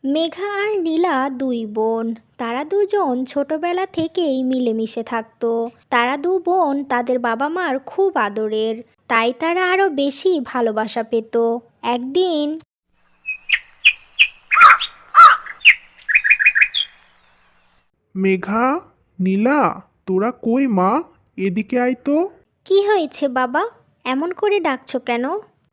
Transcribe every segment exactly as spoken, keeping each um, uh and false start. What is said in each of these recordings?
মেঘা আর নীলা দুই বোন। তারা দুজন ছোটবেলা থেকেই মিলেমিশে থাকতো। তারা দু বোন তাদের বাবা মার খুব আদরের, তাই তারা আরো বেশি ভালোবাসা পেত। একদিন মেঘা, নীলা, তোরা কই মা? এদিকে আয় তো। কি হয়েছে বাবা, এমন করে ডাকছো কেন?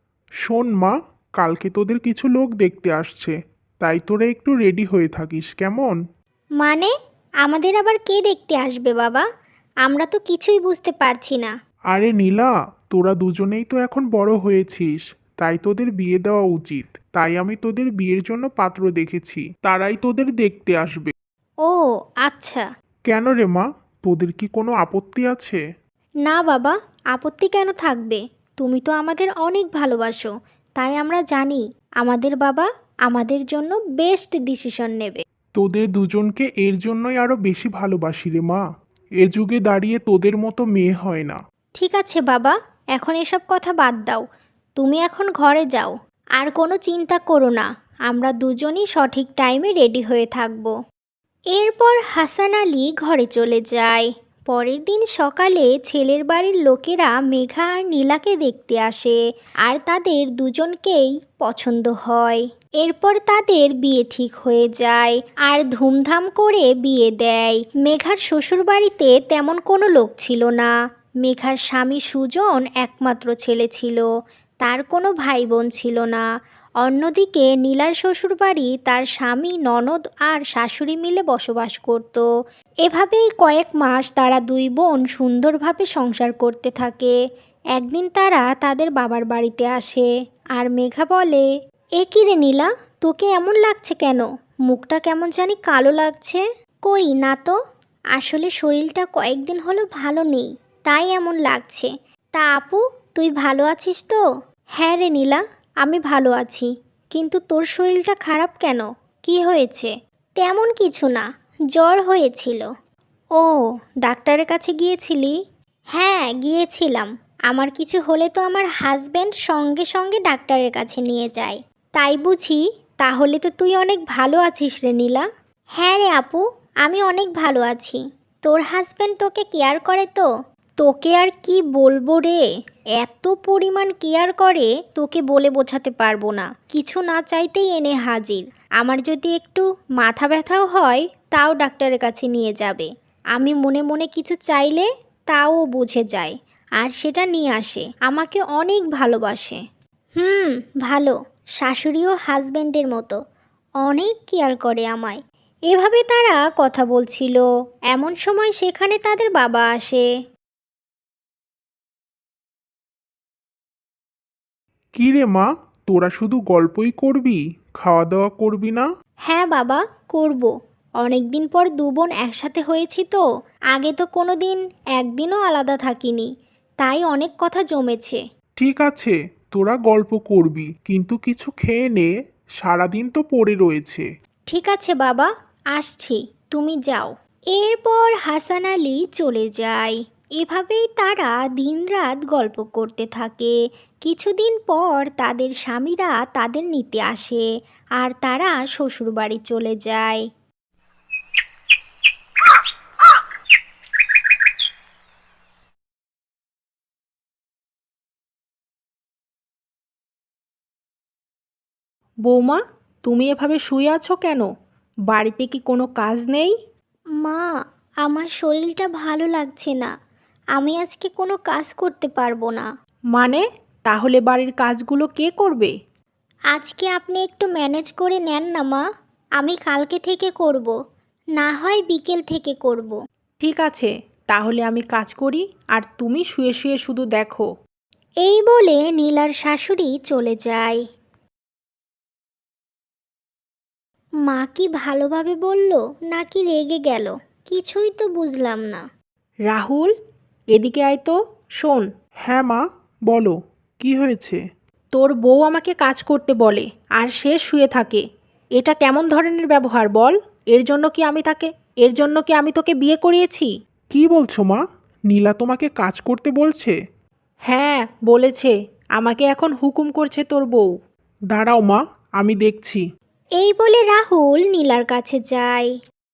শোন মা, কালকে তোদের কিছু লোক দেখতে আসছে, তাই তোরা একটু রেডি হয়ে থাকিস কেমন? মানে, আমাদের আবার কে দেখতে আসবে বাবা? আমরা তো কিছুই বুঝতে পারছি না। আরে নীলা, তোরা দুজনেই তো এখন বড় হয়েছিস, তাই তোদের বিয়ে দেওয়া উচিত। তাই আমি তোদের বিয়ের জন্য পাত্র দেখেছি, তারাই তোদের দেখতে আসবে। ও আচ্ছা। কেন রে মা, তোদের কি কোনো আপত্তি আছে? না বাবা, আপত্তি কেন থাকবে? তুমি তো আমাদের অনেক ভালোবাসো, তাই আমরা জানি আমাদের বাবা আমাদের জন্য বেস্ট ডিসিশন নেবে। তোদের দুজনকে এর জন্যই আরো বেশি ভালোবাসি রে মা। এ যুগে দাঁড়িয়ে তোদের মতো মেয়ে হয় না। ঠিক আছে বাবা, এখন এসব কথা বাদ দাও। তুমি এখন ঘরে যাও, আর কোনো চিন্তা করো না। আমরা দুজনই সঠিক টাইমে রেডি হয়ে থাকব। এরপর হাসান আলী ঘরে চলে যায়। পরের দিন সকালে ছেলের বাড়ির লোকেরা মেঘা আর নীলাকে দেখতে আসে, আর তাদের দুজনকেই পছন্দ হয়। এরপর তাদের বিয়ে ঠিক হয়ে যায়, আর ধুমধাম করে বিয়ে দেয়। মেঘার শ্বশুরবাড়িতে তেমন কোনো লোক ছিল না। মেঘার স্বামী সুজন একমাত্র ছেলে ছিল, তার কোনো ভাই বোন ছিল না। অন্যদিকে নীলার শ্বশুরবাড়ি তার স্বামী, ননদ আর শাশুড়ি মিলে বসবাস করত। এভাবেই কয়েক মাস তারা দুই বোন সুন্দরভাবে সংসার করতে থাকে। একদিন তারা তাদের বাবার বাড়িতে আসে, আর মেঘা বলে, এ কি রে নীলা, তোকে এমন লাগছে কেন? মুখটা কেমন জানি কালো লাগছে। কই না তো, আসলে শরীরটা কয়েকদিন হলো ভালো নেই, তাই এমন লাগছে। তা আপু, তুই ভালো আছিস তো? হ্যাঁ রে নীলা, আমি ভালো আছি। কিন্তু তোর শরীরটা খারাপ কেন? কি হয়েছে? তেমন কিছু না, জ্বর হয়েছিল। ও, ডাক্তারের কাছে গিয়েছিলি? হ্যাঁ গিয়েছিলাম। আমার কিছু হলে তো আমার হাজবেন্ড সঙ্গে সঙ্গে ডাক্তারের কাছে নিয়ে যায়। তাই বুঝি? তাহলে তো তুই অনেক ভালো আছিস রে নীলা। হ্যাঁ রে আপু, আমি অনেক ভালো আছি। তোর হাজবেন্ড তোকে কেয়ার করে তো? তোকে আর কি বলবো রে, এত পরিমাণ কেয়ার করে তোকে বলে বোঝাতে পারবো না। কিছু না চাইতেই এনে হাজির। আমার যদি একটু মাথা ব্যথাও হয়, তাও ডাক্তারের কাছে নিয়ে যাবে। আমি মনে মনে কিছু চাইলে তাও বুঝে যায়, আর সেটা নিয়ে আসে। আমাকে অনেক ভালোবাসে। হুম, ভালো। শাশুড়িও হাজবেন্ডের মতো অনেক কেয়ার করে আমায়। এভাবে তারা কথা বলছিল। এমন সময় সেখানে তাদের বাবা আসে। কি রে মা, তোরা শুধু গল্পই করবি, খাওয়া দাওয়া করবি না? হ্যাঁ বাবা, করব। অনেক দিন পর দু বোন একসাথে হয়েছি তো। আগে তো কোনো দিন একদিনও আলাদা থাকিনি, তাই অনেক কথা জমেছে। ঠিক আছে, তোরা গল্প করবি, কিন্তু কিছু খেয়ে নে, সারাদিন তো পড়ে রয়েছে। ঠিক আছে বাবা, আসছি, তুমি যাও। এরপর হাসান আলী চলে যায়। এভাবেই তারা দিনরাত গল্প করতে থাকে। কিছুদিন পর তাদের স্বামীরা তাদের নিতে আসে, আর তারা শ্বশুরবাড়ি চলে যায়। বৌমা, তুমি এভাবে শুয়ে আছো কেন? বাড়িতে কি কোনো কাজ নেই? মা, আমার শরীরটা ভালো লাগছে না। আমি আজকে কোনো কাজ করতে পারবো না। মানে, তাহলে বাড়ির কাজগুলো কে করবে? আজকে আপনি একটু ম্যানেজ করে নেন না মা। আমি কালকে থেকে করব, না হয় বিকেল থেকে করব। ঠিক আছে, তাহলে আমি কাজ করি, আর তুমি শুয়ে শুয়ে শুধু দেখো। এই বলে নীলার শাশুড়ি চলে যায়। মা কি ভালোভাবে বলল নাকি রেগে গেল, কিছুই তো বুঝলাম না। রাহুল, এদিকে আয় তো। শোন, হ্যাঁ মা, বলো, কি হয়েছে? তোর বউ আমাকে কাজ করতে বলে, আর সে শুয়ে থাকে। এটা কেমন ধরনের ব্যবহার বল? এর জন্য কি আমি তাকে এর জন্য কি আমি তোকে বিয়ে করিয়েছি? কি বলছো মা? নীলা তোমাকে কাজ করতে বলছে? হ্যাঁ, বলেছে। আমাকে এখন হুকুম করছে তোর বউ। দাঁড়াও মা, আমি দেখছি। এই বলে রাহুল নীলার কাছে যায়।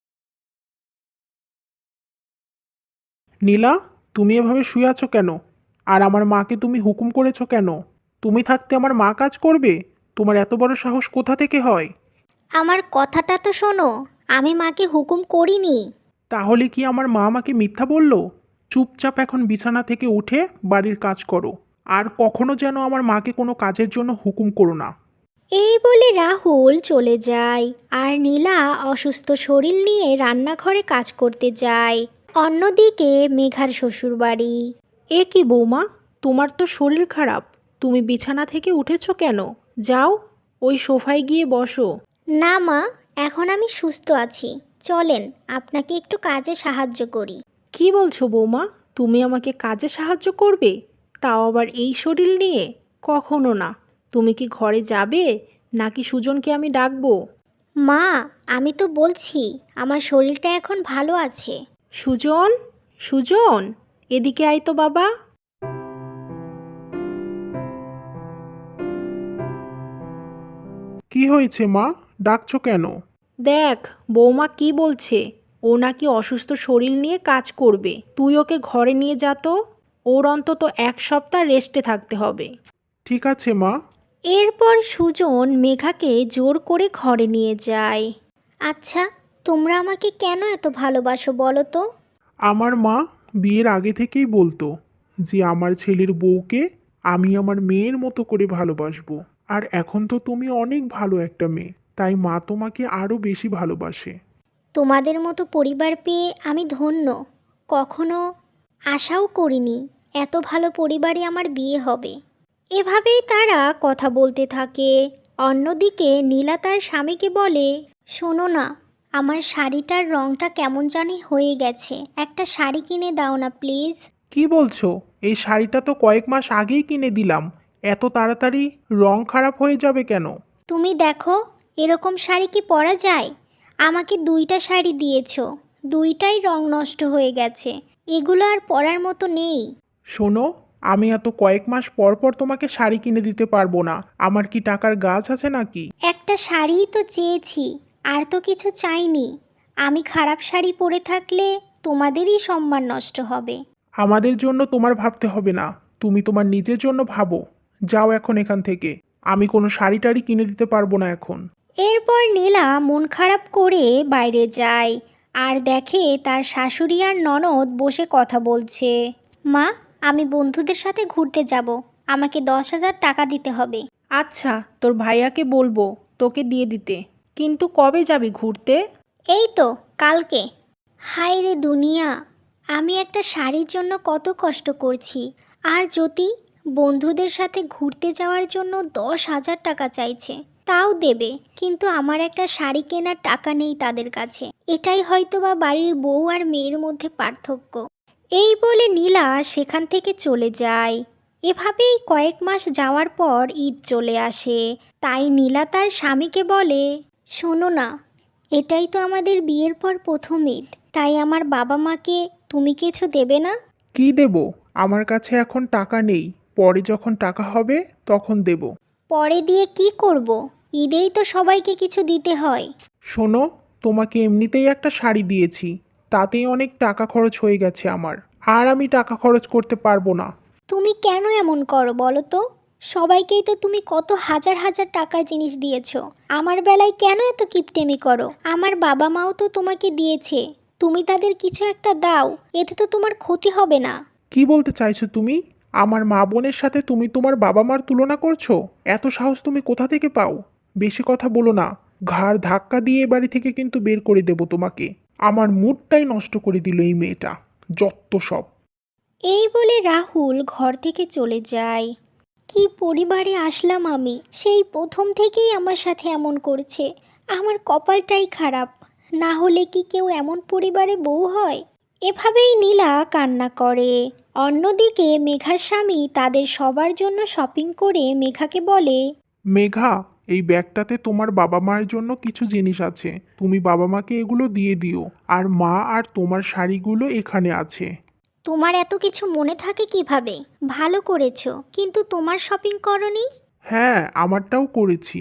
নীলা, তুমি এভাবে শুয়ে আছো কেন? আর আমার মাকে তুমি হুকুম করেছো কেন? তুমি থাকতে আমার মা কাজ করবে? তোমার এত বড় সাহস কোথা থেকে হয়? আমার কথাটা তো শোনো, আমি মাকে হুকুম করিনি। তাহলে কি আমার মা আমাকে মিথ্যা বলল? চুপচাপ এখন বিছানা থেকে উঠে বাড়ির কাজ করো। আর কখনো যেন আমার মাকে কোনো কাজের জন্য হুকুম করো না। এই বলে রাহুল চলে যায় আর নীলা অসুস্থ শরীর নিয়ে রান্নাঘরে কাজ করতে যায়। অন্যদিকে মেঘার শ্বশুরবাড়ি। এ কি বৌমা, তোমার তো শরীর খারাপ, তুমি বিছানা থেকে উঠেছো কেন? যাও, ওই সোফায় গিয়ে বসো। না মা, এখন আমি সুস্থ আছি, চলেন আপনাকে একটু কাজে সাহায্য করি। কি বলছো বৌমা, তুমি আমাকে কাজে সাহায্য করবে? তাও আবার এই শরীর নিয়ে? কখনো না। তুমি কি ঘরে যাবে, নাকি সুজনকে আমি ডাকবো? মা, আমি তো বলছি আমার শরীরটা এখন ভালো আছে। সুজন, সুজন, এদিকে আয় তো বাবা। কি হয়েছে মা? ডাকছো কেন? দেখ, বৌমা কি বলছে। ও নাকি অসুস্থ শরীর নিয়ে কাজ করবে, তুই ওকে ঘরে নিয়ে যা তো। ওর অন্তত এক সপ্তাহ রেস্টে থাকতে হবে। ঠিক আছে মা। এরপর সুজন মেঘাকে জোর করে ঘরে নিয়ে যায়। আচ্ছা, তোমরা আমাকে কেন এত ভালোবাসো বলো তো? আমার মা বিয়ের আগে থেকেই বলতো যে আমার ছেলের বউকে আমি আমার মেয়ের মতো করে ভালোবাসবো। আর এখন তো তুমি অনেক ভালো একটা মেয়ে, তাই মা তোমাকে আরও বেশি ভালোবাসে। তোমাদের মতো পরিবার পেয়ে আমি ধন্য। কখনো আশাও করিনি এত ভালো পরিবারে আমার বিয়ে হবে। এভাবেই তারা কথা বলতে থাকে। অন্যদিকে নীলা তার স্বামীকে বলে, শোনো না, আমার শাড়িটার রঙটা কেমন জানি হয়ে গেছে, একটা শাড়ি কিনে দাও না প্লিজ। কি বলছো? এই শাড়িটা তো কয়েক মাস আগেই কিনে দিলাম। এত তাড়াতাড়ি রং খারাপ হয়ে যাবে কেন? তুমি দেখো, এরকম শাড়ি কি পরা যায়? আমাকে দুইটা শাড়ি দিয়েছো, দুইটাই রং নষ্ট হয়ে গেছে, এগুলো আর পরার মতো নেই। শোনো, আমি এত কয়েক মাস পর পর তোমাকে শাড়ি কিনে দিতে পারবো না। আমার কি টাকার গাছ আছে নাকি? একটা শাড়িই তো চেয়েছি, আর তো কিছু চাইনি। আমি খারাপ শাড়ি পরে থাকলে তোমাদেরই সম্মান নষ্ট হবে। আমাদের জন্য তোমার ভাবতে হবে না, তুমি তোমার নিজের জন্য ভাবো। যাও এখন এখান থেকে। আমি কোনো শাড়ি টাড়ি কিনে দিতে পারবো না এখন। এরপর নীলা মন খারাপ করে বাইরে যায় আর দেখে তার শাশুড়ি আর ননদ বসে কথা বলছে। মা, আমি বন্ধুদের সাথে ঘুরতে যাব, আমাকে দশ হাজার টাকা দিতে হবে। আচ্ছা, তোর ভাইয়াকে বলবো তোকে দিয়ে দিতে। কিন্তু কবে যাবি ঘুরতে? এই তো কালকে। হায় রে দুনিয়া, আমি একটা শাড়ির জন্য কত কষ্ট করছি, আর জ্যোতি বন্ধুদের সাথে ঘুরতে যাওয়ার জন্য দশ হাজার টাকা চাইছে। তাও দেবে, কিন্তু আমার একটা শাড়ি কেনার টাকা নেই তাদের কাছে। এটাই হয়তো বা বাড়ির বউ আর মেয়ের মধ্যে পার্থক্য। এই বলে নীলা সেখান থেকে চলে যায়। এভাবেই কয়েক মাস যাওয়ার পর ঈদ চলে আসে। তাই নীলা তার স্বামীকে বলে, শোনো না, এটাই তো আমাদের বিয়ের পর প্রথম ঈদ, তাই আমার বাবা মাকে তুমি কিছু দেবে না? কি দেব? আমার কাছে এখন টাকা নেই। পরে যখন টাকা হবে তখন দেব। পরে দিয়ে কি করব? ঈদেই তো সবাইকে কিছু দিতে হয়। শোনো, তোমাকে এমনিতেই একটা শাড়ি দিয়েছি, তাতেই অনেক টাকা খরচ হয়ে গেছে আমার। আর আমি টাকা খরচ করতে পারবো না। তুমি কেন এমন করো বলো তো? সবাইকেই তো তুমি কত হাজার হাজার টাকার জিনিস দিয়েছো, আমার বেলায় কেন এত কিপটেমি করো? আমার বাবা মাও তো তোমাকে দিয়েছে, তুমি তাদের কিছু একটা দাও, এতে তো তোমার ক্ষতি হবে না। কি বলতে চাইছো তুমি? আমার মা বোনের সাথে তুমি তোমার বাবা মার তুলনা করছো? এত সাহস তুমি কোথা থেকে পাও? বেশি কথা বলো না। ঘাড় ধাক্কা দিয়ে এ বাড়ি থেকে কিন্তু বের করে দেব তোমাকে। আমার মুডটাই নষ্ট করে দিল এই মেয়েটা। যত সব। এই বলে রাহুল ঘর থেকে চলে যায়। কি পরিবারে আসলাম আমি, সেই প্রথম থেকেই আমার সাথে এমন করছে। আমার কপালটাই খারাপ, না হলে কি কেউ এমন পরিবারে বউ হয়? এভাবেই নীলা কান্না করে। অন্যদিকে মেঘার স্বামী তাদের সবার জন্য শপিং করে মেঘাকে বলে, মেঘা, এই ব্যাগটাতে তোমার বাবা মায়ের জন্য কিছু জিনিস আছে। তুমি বাবা মাকে এগুলো দিয়ে দিও। আর মা আর তোমার শাড়িগুলো এখানে আছে। তোমার এত কিছু মনে থাকে কিভাবে? ভালো করেছো, কিন্তু তোমার শপিং করনি? হ্যাঁ, আমারটাও করেছি।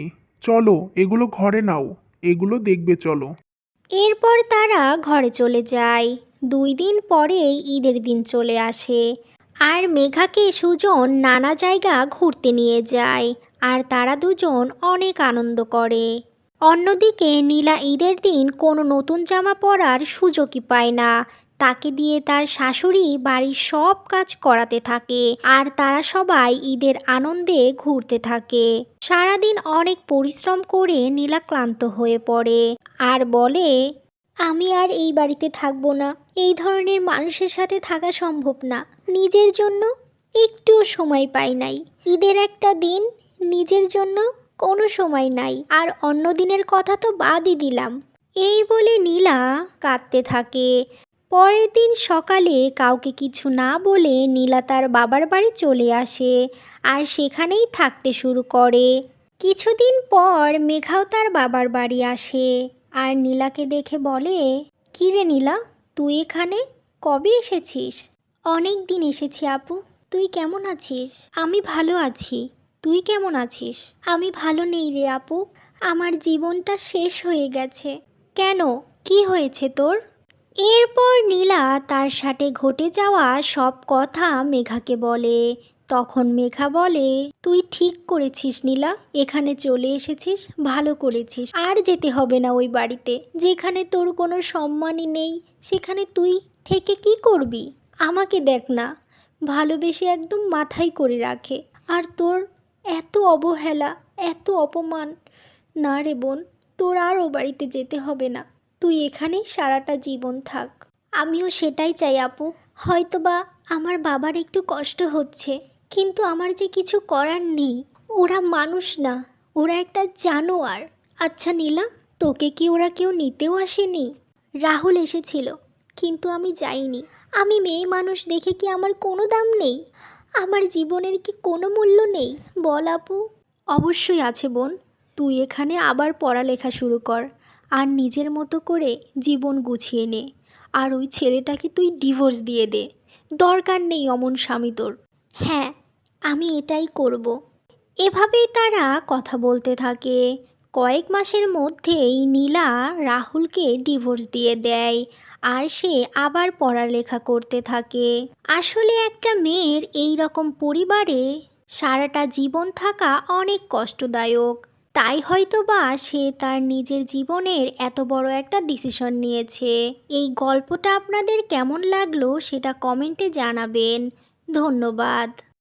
চলো এগুলো ঘরে নাও, এগুলো দেখবে চলো। এরপর তারা ঘরে চলে যায়। দুই দিন পরেই ঈদের দিন চলে আসে আর মেঘাকে সুজন নানা জায়গা ঘুরতে নিয়ে যায় আর তারা দুজন অনেক আনন্দ করে। অন্যদিকে নীলা ঈদের দিন কোনো নতুন জামা পরার সুযোগই পায় না। তাকে দিয়ে তার শাশুড়ি বাড়ির সব কাজ করাতে থাকে আর তারা সবাই ঈদের আনন্দে ঘুরতে থাকে। সারাদিন অনেক পরিশ্রম করে নীলা ক্লান্ত হয়ে পড়ে আর বলে, আমি আর এই বাড়িতে থাকবো না। এই ধরনের মানুষের সাথে থাকা সম্ভব না। নিজের জন্য একটুও সময় পাই নাই। ঈদের একটা দিন নিজের জন্য কোনো সময় নাই, আর অন্য দিনের কথা তো বাদই দিলাম। এই বলে নীলা কাঁদতে থাকে। পরের দিন সকালে কাউকে কিছু না বলে নীলা তার বাবার বাড়ি চলে আসে আর সেখানেই থাকতে শুরু করে। কিছুদিন পর মেঘাও তার বাবার বাড়ি আসে আর নীলাকে দেখে বলে, কী রে নীলা, তুই এখানে কবে এসেছিস? অনেক দিন এসেছি আপু। তুই কেমন আছিস? আমি ভালো আছি। তুই কেমন আছিস? আমি ভালো নেই রে আপু। আমার জীবনটা শেষ হয়ে গেছে। কেন, কি হয়েছে তোর? এরপর নীলা তার সাথে ঘটে যাওয়া সব কথা মেঘাকে বলে। তখন মেঘা বলে, তুই ঠিক করেছিস নীলা, এখানে চলে এসেছিস, ভালো করেছিস। আর যেতে হবে না ওই বাড়িতে, যেখানে তোর কোনো সম্মানই নেই। সেখানে তুই থেকে কি করবি? আমাকে দেখ না, ভালোবেসে একদম মাথায় করে রাখে, আর তোর এত অবহেলা, এত অপমান। না রে বোন, তোর আর ও বাড়িতে যেতে হবে না। তুই এখানেই সারাটা জীবন থাক। আমিও সেটাই চাই আপু। হয়তোবা আমার বাবার একটু কষ্ট হচ্ছে, কিন্তু আমার যে কিছু করার নেই। ওরা মানুষ না, ওরা একটা জানোয়ার। আচ্ছা নীলা, তোকে কি ওরা কেউ নিতেও আসেনি? রাহুল এসেছিল, কিন্তু আমি যাইনি। আমি মেয়ে মানুষ দেখে কি আমার কোনো দাম নেই? আমার জীবনের কি কোনো মূল্য নেই? বল আপু। অবশ্যই আছে বোন। তুই এখানে আবার পড়ালেখা শুরু কর আর নিজের মতো করে জীবন গুছিয়ে নে। আর ওই ছেলেটাকে তুই ডিভোর্স দিয়ে দে। দরকার নেই অমন স্বামী তোর। হ্যাঁ, আমি এটাই করব। এভাবেই তারা কথা বলতে থাকে। কয়েক মাসের মধ্যেই নীলা রাহুলকে ডিভোর্স দিয়ে দেয় আর সে আবার পড়ালেখা করতে থাকে। আসলে একটা মেয়ের এই রকম পরিবারে সারাটা জীবন থাকা অনেক কষ্টদায়ক। তাই হয়তো বা সে তার নিজের জীবনের এত বড় একটা ডিসিশন নিয়েছে। এই গল্পটা আপনাদের কেমন লাগলো সেটা কমেন্টে জানাবেন। ধন্যবাদ।